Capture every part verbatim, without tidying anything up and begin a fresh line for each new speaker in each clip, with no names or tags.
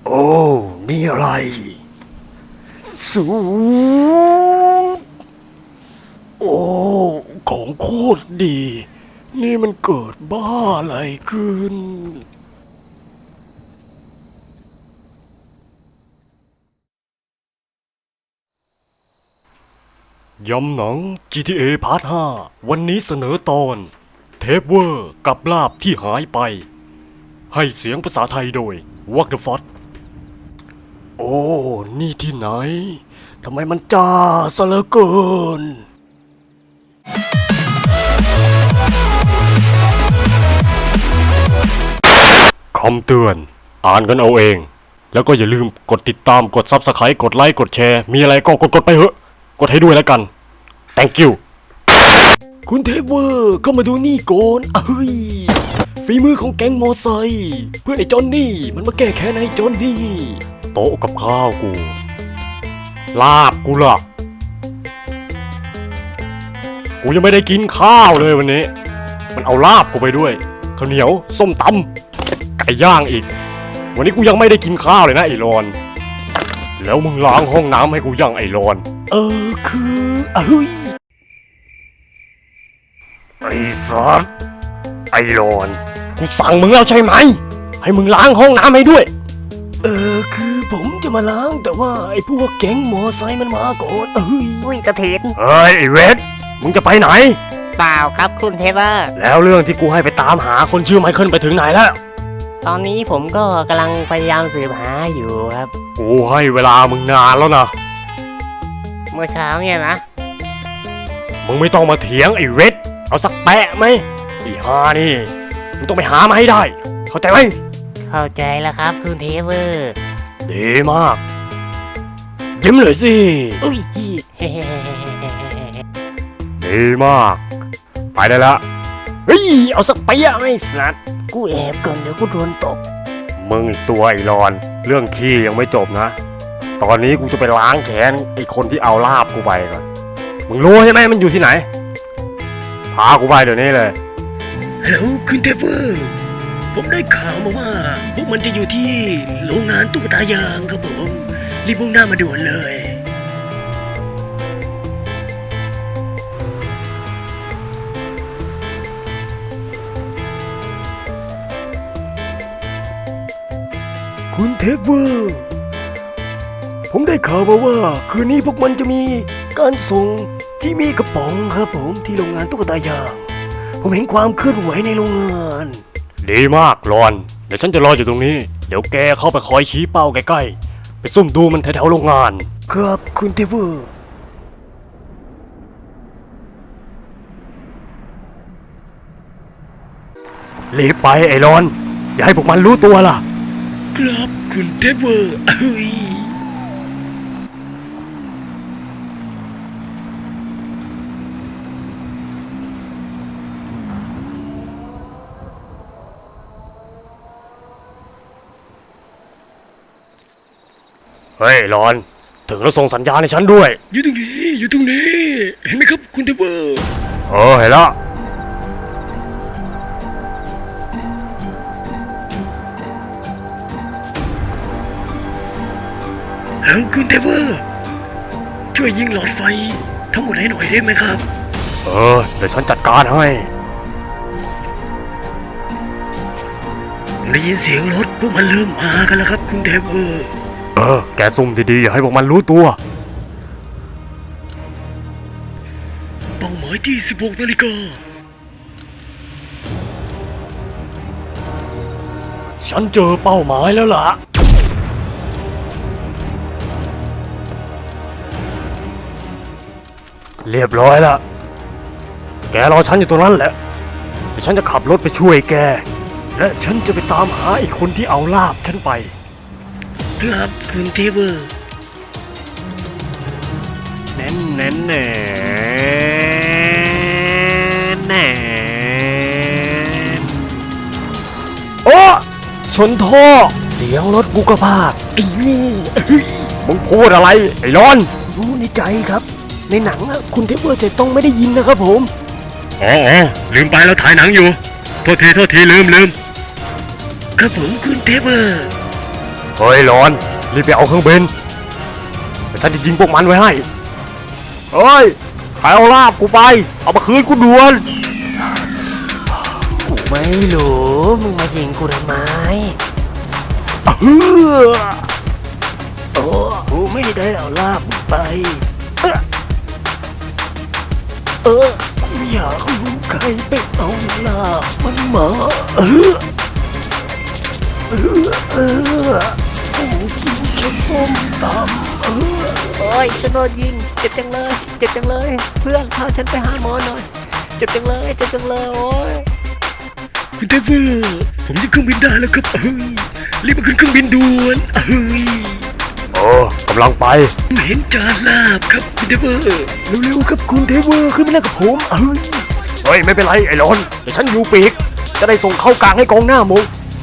โอ้นี่อะไรสูตรโอ้ของโคตรดีนี่มันเกิดบ้าอะไรขึ้นยำหนัง จี ที เอ พาร์ท ห้า วันนี้เสนอตอนเทปเวอร์กับลาบที่หายไปให้เสียงภาษาไทยโดย What the Fuck โอ้นี่ที่ไหนทำไมมันจ้าซะเหลือเกินคำเตือนอ่านกันเอาเองแล้วก็อย่าลืมกดติดตามกด ซับสไครบ์ กดไลค์กดแชร์มีอะไรก็กดกดไปเหอะกดให้ด้วยแล้วกัน thank you คุณเทเวอร์เข้ามาดูนี่ก่อนเอ้ยฝีมือของแก๊งมอไซค์เพื่อนไอ้จอนนี่มันมาแก้แค้นให้จอนนี่โต๊ะกับข้าวกูลาบกูล่ะกูยังไม่ได้กินข้าวเลยวันนี้มันเอาลาบกูไปด้วยข้าวเหนียวส้มตำไก่ย่างอีกวันนี้กูยังไม่ได้กินข้าวเลยนะไอ้รอนแล้วมึงล้างห้องน้ำให้กูยังไอ้รอนเออคือเอ้ยไอ้สัสไอ้รอนกูสั่งมึงแล้วใช่ไหมให้มึงล้างห้องน้ำให้ด้วยเออคือผมจะมาล้างแต่ว่าไอ้พวกแก๊งมอไซค์มันมาก่อนเอ้ย
อุ้ยกระถิน
เฮ้ยไอ้เวทมึงจะไปไหน
เปล่าครับคุณเทเวอร์
แล้วเรื่องที่กูให้ไปตามหาคนชื่อไมเคิลไปถึงไหนแล้ว
ตอนนี้ผมก็กำลังพยายามสืบหาอยู่ครับ
กูให้เวลามึงนานแล้วนะ
เมื่อเช้าเนี่ยนะ
มึงไม่ต้องมาเถียงไอ้เวทเอาสักแปะไหมไอ้ฮานี่มึงต้องไปหามาให้ได้เข้าใจไหม
เข้าใจแล้วครับคุณเทเวอร์
ดีมากยิ้มเลยสิ
อุ้ย
ดีมากไปได้ละเฮ้ยเอาสักไปอะไม่สัตว์
กูแอบก่อนเดี๋ยวกูโดนตบ
มึงอีกตัวไอ้รอนเรื่องขี้ยังไม่จบนะตอนนี้กูจะไปล้างแค้นไอ้คนที่เอาลาบกูไปก่อนมึงรู้ใช่ไหมมันอยู่ที่ไหนพากูไปเดี๋ยวนี้เลยฮัลโหลคุณเทเวอร์ผมได้ข่าวมาว่าพวกมันจะอยู่ที่โรงงานตุ๊กตายางครับผมรีบมุ่งหน้ามาด่วนเลยคุณเทเวอร์ผมได้ข่าวมาว่าคืนนี้พวกมันจะมีการส่งจิมี่กระป๋องครับผมที่โรงงานตุ๊กตายางผมเห็นความเคลื่อนไหวในโรงงานดีมากรอนเดี๋ยวฉันจะรออยู่ตรงนี้เดี๋ยวแกเข้าไปคอยชี้เป้าใกล้ๆไปซุ่มดูมันแถวๆโรงงานครับคุณเทเวอร์รีบไปไอ้รอนอย่าให้พวกมันรู้ตัวล่ะครับคุณเทเวอร์เอ้ยเฮ้ยรอนถึงแล้วส่งสัญญาณให้ฉันด้วยอยู่ตรงนี้อยู่ตรงนี้เห็นไหมครับคุณเทเวอร์เออเห็นแล้วแล้วคุณเทเวอร์ช่วยยิงหลอดไฟทั้งหมดให้หน่อยได้ไหมครับเออเดี๋ยวฉันจัดการให้ได้ยินเสียงรถพวกมันเริ่มมากันแล้วครับคุณเทเวอร์เออแกซุ่มดีๆอย่าให้พวกมันรู้ตัวเป้าหมายที่สิบหกนาฬิกาฉันเจอเป้าหมายแล้วล่ะเรียบร้อยละแกรอฉันอยู่ตรงนั้นแหละเดี๋ยวฉันจะขับรถไปช่วยแกและฉันจะไปตามหาอีกคนที่เอาลาบฉันไปครับคุณเทเวอร์แน่นแน่นแน่แน่โอ้ชนท่อเสียงรถกูกระพากไอ้งูมึงพูดอะไรไอ้ร้อนรู้ในใจครับในหนังอะคุณเทเวอร์จะต้องไม่ได้ยินนะครับผมอ๋อลืมไปแล้วถ่ายหนังอยู่โทษทีโทษทีลืมลืมครับผมคุณเทเวอร์เฮ้ยร้อนรีบไปเอาเครื่องบินเดี๋ยวฉันจะยิงพวกมันไว้ให้เฮ้ยใครเอาลาบกูไปเอามาคืนกูด่วน
กูไม่รู้มึงมายิงกูทำไม
เฮ้อ
โอ้กูไม่ได้เอาลาบมึงไป เออเออกูอยากรู้ใครไปเอาลาบมันมาเออเออเออกูกินแค่ส้มตำเออโอ้ยฉันโดนยิงเจ็บจังเลยเจ็บจังเลยเพื่อนพาฉันไปหาหมอหน่อยเจ็บจังเลยเจ็บจังเลยโอ้ย
คุณเทพเวอร์ผมจะเครื่องบินได้แล้วครับเฮ้ยรีบมาขึ้นเครื่องบินด่วนเฮ้ย
เออกำลังไป
ผมเห็นจานลาบครับคุณเทพเวอร์
เร็วๆครับคุณเทเวอร์ขึ้นมาแล้วกับผมเฮ้ยเฮ้ยไม่เป็นไรไอ้ร้อนเดี๋ยวฉันอยู่ปีกจะได้ส่งเข้ากลางให้กองหน้ามึง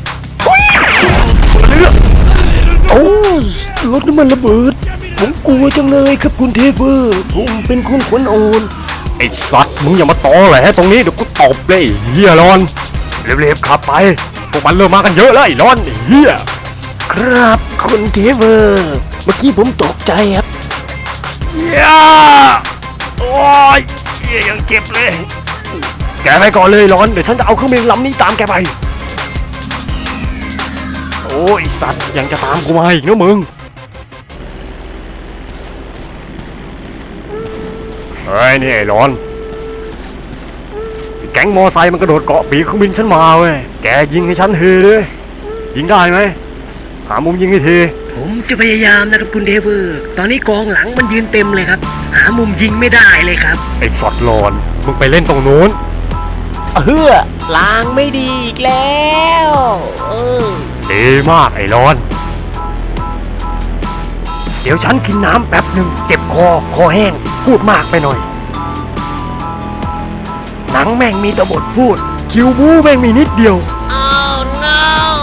เลือก
โอ้รถน้ำมันระเบิดผมกลัวจังเลยครับคุณเทพเวอร์ผมเป็นคนขวัญอ่อน
ไอ้สัตว์มึงอย่ามาตอแหลตรงนี้เดี๋ยวกูตบเลยไอ้เฮียร้อนเร็วๆขับไปพวกมันเริ่มมากันเยอะแล้วไอ้ร้อนไอ้เฮีย
ครับคุณเทพเวอร์เมื่อกี้ผมตกใจครับ
เฮียโอ้ยเฮียยังเจ็บเลยแกไปก่อนเลยร้อนเดี๋ยวฉันจะเอาเครื่องบินลำนี้ตามแกไปโอ้ยไอ้สัตว์ยังจะตามกูมาอีกนะมึงเฮ้ยนี่ไอ้ร้อนแก๊งมอไซค์มันกระโดดเกาะปีกเครื่องบินฉันมาเว้ยแกยิงให้ฉันเฮเลยยิงได้ไหมหามุมยิงให้ที
ผมจะพยายามนะครับคุณเทพเวอร์ตอนนี้กองหลังมันยืนเต็มเลยครับหามุมยิงไม่ได้เลยครับ
ไอ้สัตว์ร้อนมึงไปเล่นตรงนู้น
เออล้างไม่ดีอีกแล้วเออ
ดีมากไอ้ร้อน เดี๋ยวฉันกินน้ำแป๊บหนึ่งเจ็บคอคอแห้งพูดมากไปหน่อย หนังแม่งมีแต่บทพูด คิวบูแม่งมีนิดเดียว oh, no.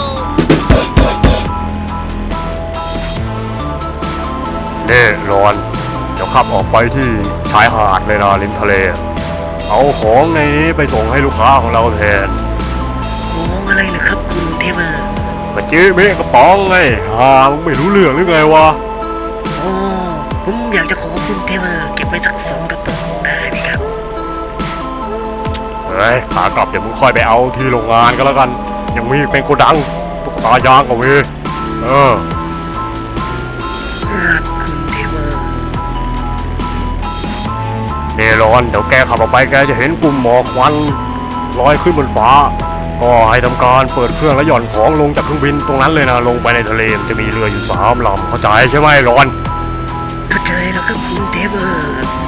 เน่ร้อนเดี๋ยวขับออกไปที่ชายหาดเลยนะริมทะเล เอาของในนี้ไปส่งให้ลูกค้าของเราแทน
มองอะไรเหรอครับคุณเทพเวอร์
กระจี้เมฆกระป๋องไงฮ่ามึงไม่รู้เรื่องหรือไงวะ
โอ้ผมอยากจะขอคุณเทพเวอร์เก็บไว้สักสองกระป๋องได้ไหมครับ
เฮ้ยขากลับเดี๋ยวมึงค่อยไปเอาที่โรงงานก็แล้วกัน ยังมีเป็นโกดังตุ๊กตายางกับเวยเออ
ครับคุณเทพเวอร์
เนรอนเดี๋ยวแกขับออกไปแกจะเห็นกลุ่มหมอกควันลอยขึ้นบนฟ้า ก็ให้ทำการเปิดเครื่องแล้วหย่อนของลงจากเครื่องบินตรงนั้นเลยนะลงไปในทะเลมันจะมีเรืออยู่สามลำเข้าใจใช่ไหมรอน
เข้าใจแล้วครับคุณเทพเวอร์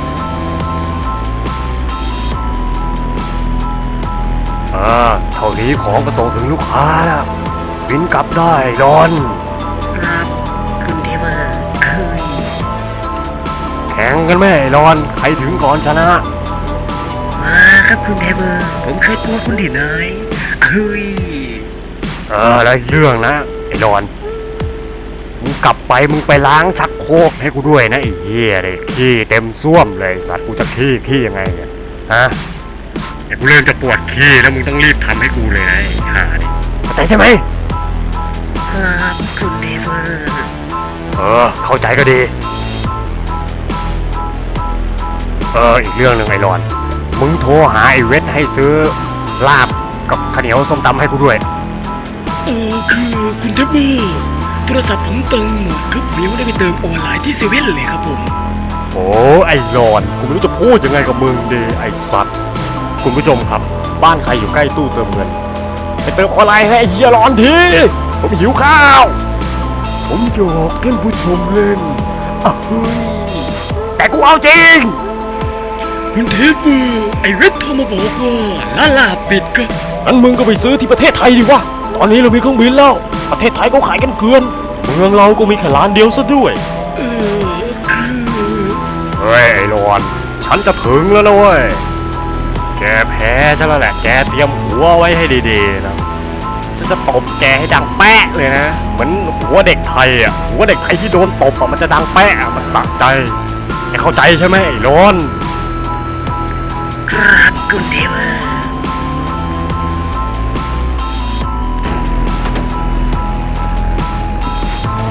อ่าเท่านี้ของก็ส่งถึงลูกค้าแล้วบินกลับได้รอน
ครับคุณเทพเวอร์เอ้ย
แข่งกันไหมรอนใครถึงก่อนชนะ
มาครับคุณเทพเวอร์ผมเคยกลัวคุณที่ไหนเอ้ย
เออแล้วอีกเรื่องนะไอ้รอนมึงกลับไปมึงไปล้างชักโครกให้กูด้วยนะไอ้เหี้ยเลยขี้เต็มส้วมเลยสัตว์กูจะขี้ขี้ยังไงเนี่ยฮะไอ้กูเริ่มจะปวดขี้แล้วมึงต้องรีบทำให้กูเลยนะไอ้ห่านี่เข้าใจใช่ไหม
ครับคุณเทพเวอร์
เออเข้าใจก็ดีเอออีกเรื่องหนึ่งไอ้รอนมึงโทรหาไอ้เวทให้ซื้อลาบกับข้าวเหนียวส้มตำให้กูด้วย
เออคือคุณเทพเวอร์โทรศัพท์ผมเติมหมดครับผมยังไม่ได้ไปเติมออนไลน์ที่เซเว่นเลยครับผม
โอ้ไอ้รอนกูไม่รู้จะพูดยังไงกับมึงดีไอ้สัตว์คุณผู้ชมครับบ้านใครอยู่ใกล้ตู้เติมเงินไปเติมออนไลน์ให้ไอ้เฮียร้อนทีผมหิวข้าว ผมหยอกท่านผู้ชมเล่นอ่ะเฮ้ยแต่กูเอาจริง
คุณเทพเวอร์ไอเวทโทรมาบอกว่าลาลาปิดครับ
งั้นมึงก็ไปซื้อที่ประเทศไทยดีวะตอนนี้เรามีเครื่องบินแล้วประเทศไทยก็ขายกันเกลือนเมืองเราก็มีแค่ร้านเดียวซะด้วย
เออคือ
เฮ้ยไอ้รอนฉันจะถึงแล้วนะเว้ยแกแพ้ฉันแล้วแหละแกเตรียมหัวไว้ให้ดีๆนะฉันจะตบแกให้ดังแป๊ะเลยนะเหมือนหัวเด็กไทยอ่ะหัวเด็กไทยที่โดนตบอ่ะมันจะดังแป๊ะอะมันสะใจแกเข้าใจใช่ไหมไอ้รอน
ครับคุณเทพเวอร์
เ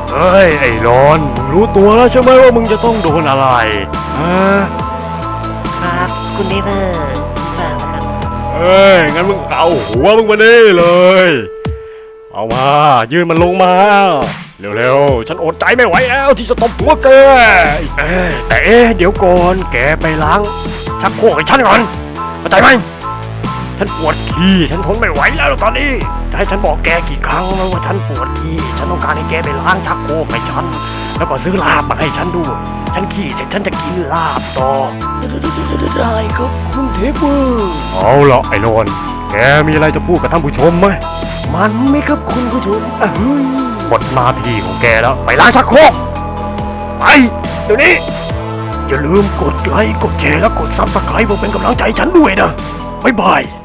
เฮ้ยไอ้รอนมึงรู้ตัวแล้วใช่ไหมว่ามึงจะต้องโดนอะไรฮะ
ครับคุณเทพเบอร์ทราบแล้วครับ
เอ้ยงั้นมึงเอาหัวมึงมานี่เลย เอามายื่นมันลงมาเร็วๆฉันอดใจไม่ไหวแล้วที่จะตบหัวแกเอ้ยแต่เอ๊ะเดี๋ยวก่อนแกไปล้างชักโครกให้ฉันก่อนเข้าใจไหมฉันปวดขี้ฉันทนไม่ไหวแล้วตอนนี้จะให้ฉันบอกแกกี่ครั้งแล้วว่าฉันปวดขี้ฉันต้องการให้แกไปล้างชักโครกให้ฉันแล้วก็ซื้อลาบมาให้ฉันด้วยฉันขี้เสร็จฉันจะกินลาบต่อ
ได้ครับคุณเทพเบอร์
เอาละไอ้โนนแกมีอะไรจะพูดกับท่านผู้ชมไหม
มันไหม่ครับคุณผู้ชมเอ้ย
หมดหน้าที่ของแกแล้วไปล้างชักโครกไปเดี๋ยวนี้อย่าลืมกดไลค์กดแชร์และกดซับสไครป์เพื่อเป็นกำลังใจให้ฉันด้วยนะบ๊ายบาย